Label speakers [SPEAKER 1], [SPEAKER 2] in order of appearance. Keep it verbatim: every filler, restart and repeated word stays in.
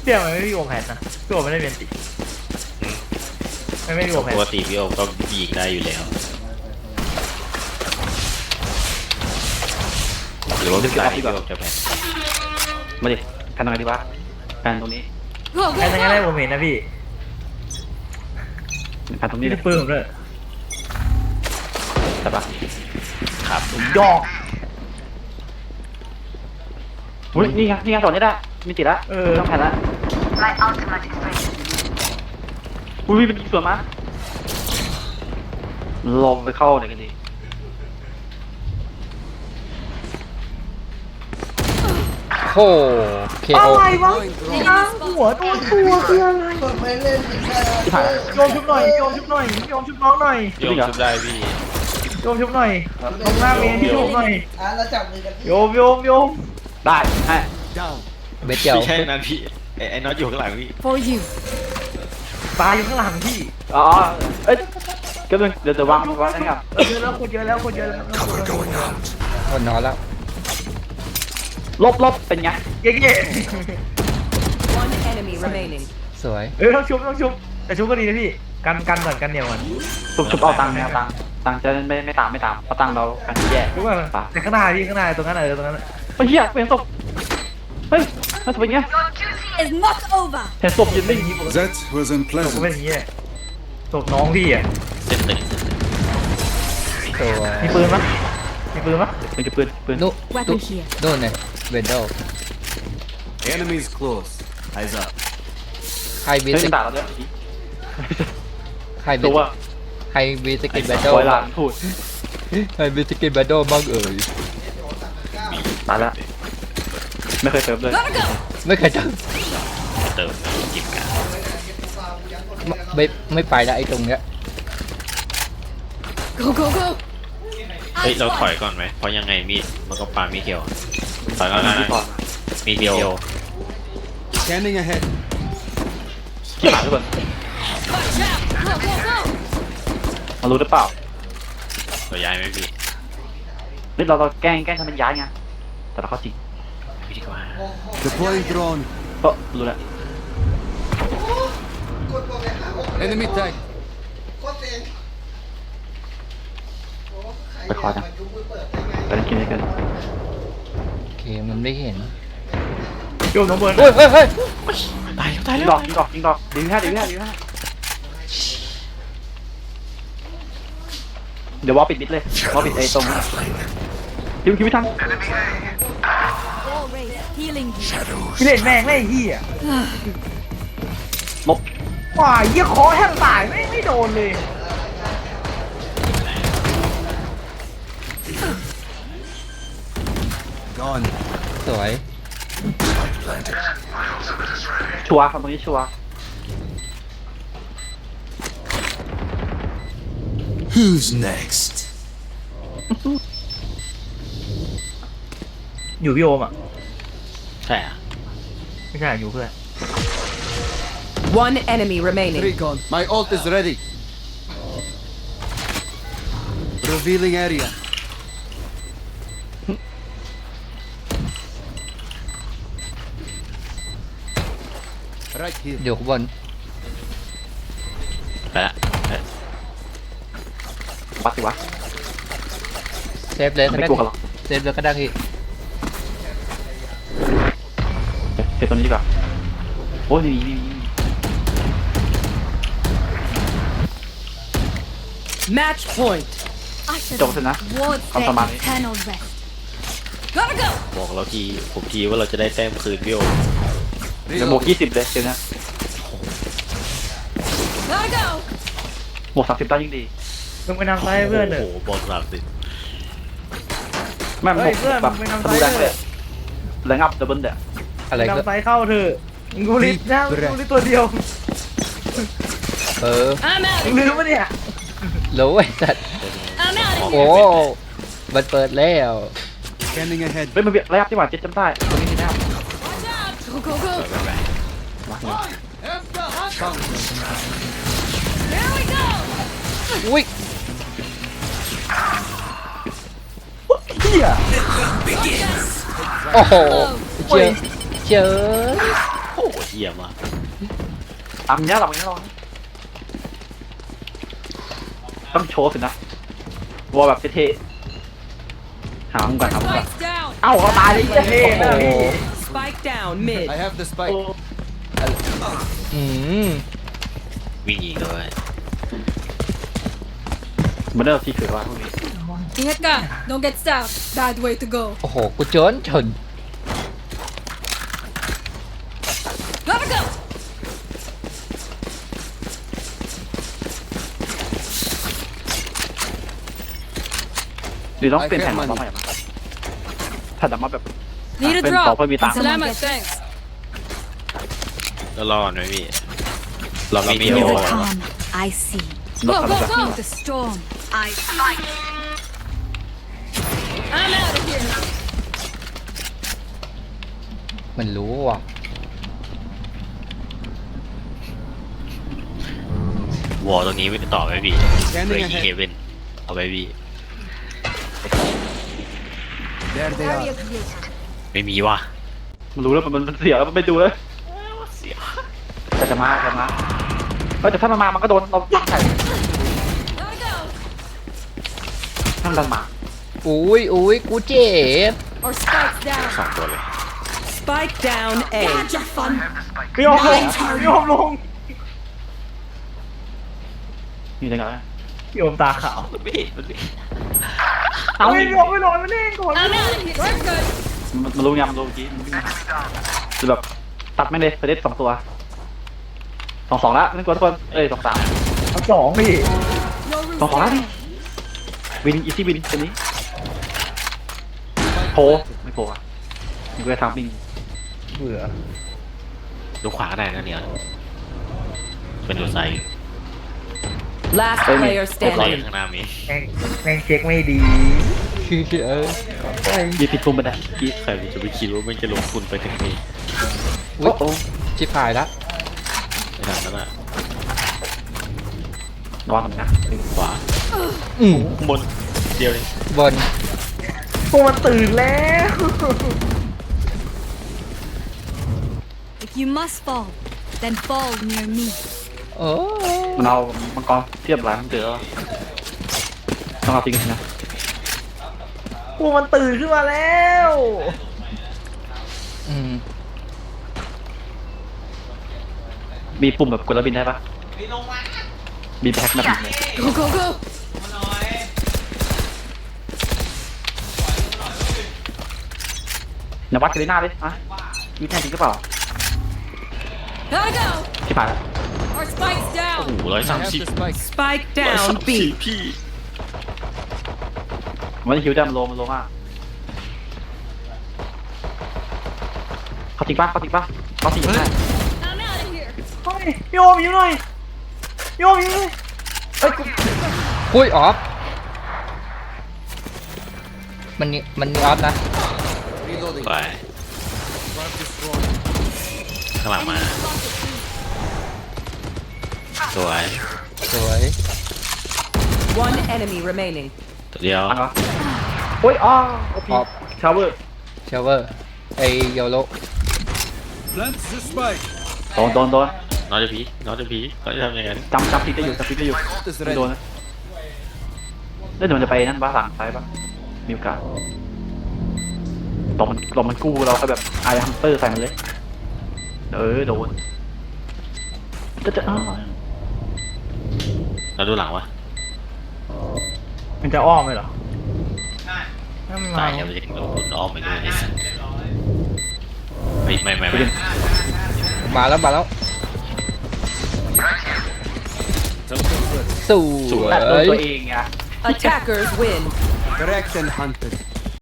[SPEAKER 1] เดี๋ยวมันไม่มีวงแผนนะพี่โอไม่ได้เรียนติไม่ไม่มีวงแผน
[SPEAKER 2] ปกติพี่โอก็ยิงได้อยู่แล้วหรือว่าพี่โอจะแพ้
[SPEAKER 3] มาดิแพนตรงไหนดีวะแพนตรงนี้
[SPEAKER 1] แค่นั้นก็ได้ผมเห็นนะพี่
[SPEAKER 3] แพนตรงนี้
[SPEAKER 1] นี่
[SPEAKER 3] เลย
[SPEAKER 1] ปืนผมเลย
[SPEAKER 3] ใช่ปะ
[SPEAKER 2] ครับ
[SPEAKER 1] ยอก
[SPEAKER 3] อุ้ยนี่ไงนี่ไงสอนนี้ได้มีติดละต้องแพนละอุ้ยเป็นส่วนมาลงไปเข้าไหนกันดี
[SPEAKER 4] โอ้เคโอ
[SPEAKER 1] อะไรวะช้างหัวตัวตัวคืออะไร
[SPEAKER 3] ที่ผ่าน
[SPEAKER 1] โยมชุบหน่อยโยมชุบหน่อยโยมชุบน้องหน่อย
[SPEAKER 2] โยมชุบได้พี่
[SPEAKER 1] โยมชุบหน่อยตรงหน้าเมนที่ชุบหน่อยโยมโยมโยม
[SPEAKER 3] ได้ให้
[SPEAKER 4] เบ็ดเดียว
[SPEAKER 2] ไม่ใช่นั้นพี่ไอ้ไอ้น็อตอยู่ข้างหลังพี่
[SPEAKER 5] For you.
[SPEAKER 1] ตายอยู่ข้างหลังพี่
[SPEAKER 3] อ๋อเอ้ยก็เป็นเดี๋ยวจะวางวางนี่ครับ
[SPEAKER 1] เยอะแล้วคนเยอะแล้วคนเยอะแล้ว
[SPEAKER 4] คนนอนแล้ว
[SPEAKER 3] ลบลบเป็นไง
[SPEAKER 1] เย้เย้
[SPEAKER 5] One enemy remaining.
[SPEAKER 4] สวย
[SPEAKER 1] เอ้ยต้องชุบต้องชุบแต่ชุบก็ดีนะพี่กันกันก่อนกันเหนียวก่อน
[SPEAKER 3] ชุบชุบเอาตังค์ไม่เอาตังค์ตังค์จะไม่ไม่ตามไม่ตามเพราะตังค์เรากันแย่
[SPEAKER 1] ชุบก่อนแต่ข้างหน้าพี่ข้างหน้าตรงนั้นเออตรงนั้น
[SPEAKER 3] เฮ้ยเฮียเป็นศพเฮ้ยมันจะเป็นไง
[SPEAKER 5] Is not over.
[SPEAKER 3] เห็นศพยืนนิ่ง
[SPEAKER 6] That was
[SPEAKER 1] ผมก็
[SPEAKER 6] unpleasant.
[SPEAKER 1] เป็นอย่างนี้ศพน้องพี่อ่ะ
[SPEAKER 2] เส้นตึง
[SPEAKER 4] สวย
[SPEAKER 1] มีปืนมั้ยมีปืนมั้ย
[SPEAKER 3] เป็นกระปืนปืน
[SPEAKER 4] นู่น
[SPEAKER 5] Weapon here.
[SPEAKER 4] นู่นไงเวนโด
[SPEAKER 6] Enemies close. Eyes up.
[SPEAKER 4] ใครบี
[SPEAKER 3] เฮ้ย
[SPEAKER 4] ส
[SPEAKER 3] มันด่าเราด้วย
[SPEAKER 4] ใครบี
[SPEAKER 3] ตัว
[SPEAKER 4] ใครบีสกินแบทเทิล
[SPEAKER 3] ปล่อยหลังพูด
[SPEAKER 4] ใครบีสกินแบทเทิลบ้างเอ่ย
[SPEAKER 3] ตายละไม่เคยเซิร์ฟเลย
[SPEAKER 5] Gotta go.
[SPEAKER 4] ไม่เคยเจอ
[SPEAKER 2] เติมจิบกัน
[SPEAKER 4] ไม่ไม่ไปแล้วไอ้ตรงเนี้ย
[SPEAKER 5] Go go go.
[SPEAKER 2] เฮ้ยเราถอยก่อนไหมเพราะยังไงมีดมันก็ปามีเขียวถอยก่อนนะ
[SPEAKER 3] ที่ก่อน
[SPEAKER 2] มีเดียว
[SPEAKER 6] Scanning ahead.
[SPEAKER 3] ที่ผ่านทุกคน
[SPEAKER 5] Watch out. Go go go.
[SPEAKER 3] มารู้หรือเปล่า
[SPEAKER 2] เราย้ายไหมพี่
[SPEAKER 3] นี่เราเราแกล้งแกล้งทำเป็นย้ายไงแต่เราเข้าจริง
[SPEAKER 2] พี่ดีกว่า
[SPEAKER 6] Deploying drone.
[SPEAKER 3] ก็รู้แล้ว
[SPEAKER 6] Enemy tag.
[SPEAKER 3] ไปคอจังไปนั่งกินด้วยกัน
[SPEAKER 4] โอเคมันไม่เห็น
[SPEAKER 1] โยมน้องเบิร์น
[SPEAKER 4] เฮ้ยเฮ้ยเฮ้ย
[SPEAKER 2] ตายตาย
[SPEAKER 3] ยิ
[SPEAKER 2] แล้
[SPEAKER 3] ง
[SPEAKER 2] ว
[SPEAKER 3] ดอกยิงดอกยิงดอกดีแค่ดีแค่ดีแค่เดี๋ยววอลปิดมิดเลยวอลปิดไอ้ตรงนั้นคิวคิวไม่ทัน
[SPEAKER 5] Wall raised. Healing you.
[SPEAKER 1] พี่เล่นแม่งไม่เหี้ย
[SPEAKER 3] ลบ
[SPEAKER 1] ว้ายเหี้ยคอแทบตายไม่ไม่โดนเลย
[SPEAKER 6] Gone.
[SPEAKER 4] สวย
[SPEAKER 3] ชัวร์ครับตรงนี้ชัวร์
[SPEAKER 6] Who's next?
[SPEAKER 1] อยู่พี่โอมอ่ะ
[SPEAKER 2] ใช่อะ
[SPEAKER 1] ไม่ใช่อยู่เพื่อน
[SPEAKER 5] One enemy remaining.
[SPEAKER 6] Recon. My ult is ready. Revealing area. Right here.
[SPEAKER 4] อยู่ข้างบน
[SPEAKER 2] ไปละเอ้ย
[SPEAKER 3] ปัดสิวะ
[SPEAKER 4] เซฟเลยก็
[SPEAKER 3] ไม่
[SPEAKER 4] ได้
[SPEAKER 3] กลัวกันหรอก
[SPEAKER 4] เซฟเลยก็ได้พี่
[SPEAKER 3] เซฟตัวนี้ดีกว่าโอ้ยนี่นี่
[SPEAKER 5] Match point.
[SPEAKER 3] จบเสร็จนะ
[SPEAKER 5] Towards
[SPEAKER 3] Come
[SPEAKER 5] their
[SPEAKER 3] on, man.
[SPEAKER 5] eternal rest. Gotta go.
[SPEAKER 2] บอกเราทีผมทีว่าเราจะได้แต้มคืนพี่โอ
[SPEAKER 3] เดี๋ยวบวกยี่สิบเลยเดี๋ยวนะ
[SPEAKER 5] Gotta go.
[SPEAKER 3] บวกสามสิบได้ยิ่งดี
[SPEAKER 1] มึงไปนำซ้ายให้เพื่อนเถ
[SPEAKER 2] โอ้
[SPEAKER 1] อะ
[SPEAKER 2] โหบอกสามสิบ
[SPEAKER 3] แม่งบ
[SPEAKER 1] เฮ้
[SPEAKER 3] วย ก
[SPEAKER 1] เพื่อน
[SPEAKER 3] แบบ
[SPEAKER 1] มึงไปนำ
[SPEAKER 3] ดู
[SPEAKER 1] ซ้าย
[SPEAKER 3] ดัง
[SPEAKER 1] เถ
[SPEAKER 3] เลย
[SPEAKER 1] อะ
[SPEAKER 3] แรงอัพดับเบิลเด้อ
[SPEAKER 4] อะไร
[SPEAKER 1] มึง
[SPEAKER 4] ก็
[SPEAKER 1] นำซ้ายเข้าเถอะมึงกูริดนะมึงกูริดตัวเดียว
[SPEAKER 4] เออ
[SPEAKER 5] I'm
[SPEAKER 1] มึง
[SPEAKER 5] out.
[SPEAKER 1] ลืมปะเนี่ย
[SPEAKER 4] รู้ไอ้สัตว์
[SPEAKER 5] I'm out of
[SPEAKER 4] โอ้
[SPEAKER 5] here.
[SPEAKER 4] มันเปิดแล้ว
[SPEAKER 6] Scanning ahead.
[SPEAKER 3] เฮ้ยมันแรงอัพที่หว่าเจ็ดจำได้ตัวนี้มีแรงอัพ
[SPEAKER 5] Watch out. Go go go.
[SPEAKER 3] มา
[SPEAKER 5] Here we go.
[SPEAKER 4] อุ้ย
[SPEAKER 1] เหี้ย
[SPEAKER 4] โอ้โหเจอเจอ
[SPEAKER 2] โอ้โหหี้ยมาก
[SPEAKER 3] ตามเนี้ยเราเนี้ยเราต้องโชว์สินะวัวแบบเท่ๆหามุมก่อนหามุมก่อน
[SPEAKER 5] Spike's down.
[SPEAKER 3] เอ้าเขาตายเลย
[SPEAKER 1] เท่นะพี่
[SPEAKER 7] Spike down mid.
[SPEAKER 6] I have the spike.
[SPEAKER 4] อืม
[SPEAKER 2] วิ่งยิงเลย
[SPEAKER 3] มันเริ่มที่ถือว่าพวกนี้
[SPEAKER 5] Ingat ka. Don't get stabbed. Bad way to go.
[SPEAKER 4] โอ้โหกูจนชน
[SPEAKER 5] Gotta go.
[SPEAKER 3] หรือต้องเปลี่ยนแผนของเราใหม่ไหมถ้าแต่มาแบบ
[SPEAKER 5] Need a
[SPEAKER 3] เป็น
[SPEAKER 5] drop.
[SPEAKER 3] ต่อเพื่อมีตังค์
[SPEAKER 5] Salamat. Thanks.
[SPEAKER 2] แล้วรอดไหมพี่เรามีเดียว
[SPEAKER 8] Never come, I see.
[SPEAKER 3] รถ
[SPEAKER 5] Go,
[SPEAKER 3] ทำ
[SPEAKER 5] go,
[SPEAKER 3] แบบ
[SPEAKER 5] go.
[SPEAKER 8] The storm, I
[SPEAKER 5] I'm out of here.
[SPEAKER 4] มันรู้ว่ะ
[SPEAKER 2] วอลตรงนี้ไม่ต่อไหมพี่
[SPEAKER 6] Scanning
[SPEAKER 2] เลย
[SPEAKER 6] ahead
[SPEAKER 2] เฮเว่นเอาไปพี่
[SPEAKER 6] There they are.
[SPEAKER 2] ไม่มีว่ะ
[SPEAKER 3] มันรู้แล้วมันมันเสียแล้วมันไม่ดูเลย
[SPEAKER 2] เสีย
[SPEAKER 3] แต่จะมาจะมาเออแต่ถ้ามันมามันก็โดนเราใส่
[SPEAKER 5] Gotta go.
[SPEAKER 3] ถ้ามันดันมา
[SPEAKER 4] อุ้ยอุ้ยกูเจ็บ
[SPEAKER 5] Our spike's down.
[SPEAKER 2] สองตัวเลย
[SPEAKER 7] Spike down A.
[SPEAKER 1] พี่โอมลงพี่โอมลง
[SPEAKER 3] อยู่ในกัน
[SPEAKER 1] พี่โอมตาขาว
[SPEAKER 2] มันไม่มันไม่
[SPEAKER 3] เอา
[SPEAKER 1] เฮ้ยพี่โอมไม่นอนไม่เล่นก่อน
[SPEAKER 5] I'm out of here. We're good.
[SPEAKER 3] มันมันรู้ไงมันรู้เมื่อกี้มันวิ่งมาคือแบบตัดไม่เลยเฟรดสองตัวสองสองละนั่นกว่าทุกคนเอ้ยสองสาม
[SPEAKER 1] เอาสองพี่
[SPEAKER 5] No room
[SPEAKER 3] สองสอง
[SPEAKER 5] for
[SPEAKER 3] ละนี่
[SPEAKER 5] panic.
[SPEAKER 3] วินอีซี่วินตัวนี้โผไม่โผล่อะมีกูจะทำวิ่ง
[SPEAKER 1] เบื่อ
[SPEAKER 2] ดูขวาก็ได้นะเนี่ยเป็นดูไซด์
[SPEAKER 7] Last player
[SPEAKER 2] ไซด์
[SPEAKER 7] standing.
[SPEAKER 2] ข้างหน้ามี
[SPEAKER 1] แม่งแม่งเช็คไม่ดี
[SPEAKER 4] เออ
[SPEAKER 3] ยีผิดปุ่มไปได้ยี
[SPEAKER 2] ใครมันจะไปคิดว่ามันจะลงทุนไปถึงนี้
[SPEAKER 4] อุ้ยชิบหายละ
[SPEAKER 2] ในทางนั้นอะ
[SPEAKER 3] ระวังหน่อยนะ
[SPEAKER 2] ขวา
[SPEAKER 4] อืม
[SPEAKER 2] บนเดียวเลย
[SPEAKER 4] บน
[SPEAKER 1] พวกมันตื่นแล้ว
[SPEAKER 8] If you must fall, then fall near me.
[SPEAKER 4] โอ้
[SPEAKER 3] มันเอามังกรเทียบหลายมันเจอต้องเอาจริงนะ
[SPEAKER 1] พวกมันตื่นขึ้นมาแล้ว
[SPEAKER 4] อืม
[SPEAKER 3] มีปุ่มแบบกดแล้วบินได้ปะบินแพ็คแบบนี้
[SPEAKER 5] Go, go, go.
[SPEAKER 3] อย่าวัดกันเลยหน้าเลยอะมีแท้จริงหรือเปล่า
[SPEAKER 5] Gotta go.
[SPEAKER 3] ที่ผ่านแล้ว
[SPEAKER 5] Our spike's
[SPEAKER 2] โอ้
[SPEAKER 5] down.
[SPEAKER 2] โหร้อย
[SPEAKER 6] I
[SPEAKER 2] สาม
[SPEAKER 6] have
[SPEAKER 2] สิบ
[SPEAKER 6] the spike.
[SPEAKER 7] Spike
[SPEAKER 2] ร้อยสา
[SPEAKER 7] down
[SPEAKER 2] มสิบ
[SPEAKER 7] B.
[SPEAKER 2] พี่
[SPEAKER 3] มันจะคิวได้มันโลมันโลมากเขาจริงปะเขาจริงปะเขาจริงได้
[SPEAKER 5] I'm out of here.
[SPEAKER 1] เฮ้ยพี่โอมยิ้มหน่อยพี่โอมยิ้มหน่อยเอ้ยกู
[SPEAKER 4] อุ้ยออฟมันนี่มันนี่ออฟนะ
[SPEAKER 6] Reloading.
[SPEAKER 2] ไป
[SPEAKER 6] Guard destroyed.
[SPEAKER 2] ข้างหลังมาสวย
[SPEAKER 4] สวย
[SPEAKER 7] One enemy remaining.
[SPEAKER 2] ตัวเดียว
[SPEAKER 3] อันวะโอ้ยอ๋อโอ
[SPEAKER 4] อ
[SPEAKER 3] พี
[SPEAKER 4] อฟ
[SPEAKER 3] ชาวเวอร์
[SPEAKER 4] เชเวอร์ไอโยโร
[SPEAKER 6] Plant the spike.
[SPEAKER 3] โดนโดนโดน
[SPEAKER 2] นอตพีนอตพีเขาจะทำยังไง
[SPEAKER 3] จำจำพิกได้อยู่จำพิกได้อยู่
[SPEAKER 6] Ult is
[SPEAKER 3] ไม่โดน
[SPEAKER 6] ready.
[SPEAKER 3] นะเล่นเดี๋ยวมันจะไปนั่นบ้าหลังซ้ายปะมีโอกาสตอนมันตอนมันกู้เราก็แบบไอฮัมเตอร์ใส่มันเลยเออโดนจะจะอ้าว
[SPEAKER 2] เราดูหลังวะ
[SPEAKER 1] มันจะอ้อมเลยเหรอไม่
[SPEAKER 2] ตา
[SPEAKER 1] มา
[SPEAKER 2] ยยังไม่ถึงลงทุนอ้อมไปด้วยไม่ไม่ไม่ไม่
[SPEAKER 4] มาแล้วมาแล้วสวย
[SPEAKER 3] แต่โดนตัวเองไง
[SPEAKER 7] Attackers win.
[SPEAKER 6] Correct and hunted.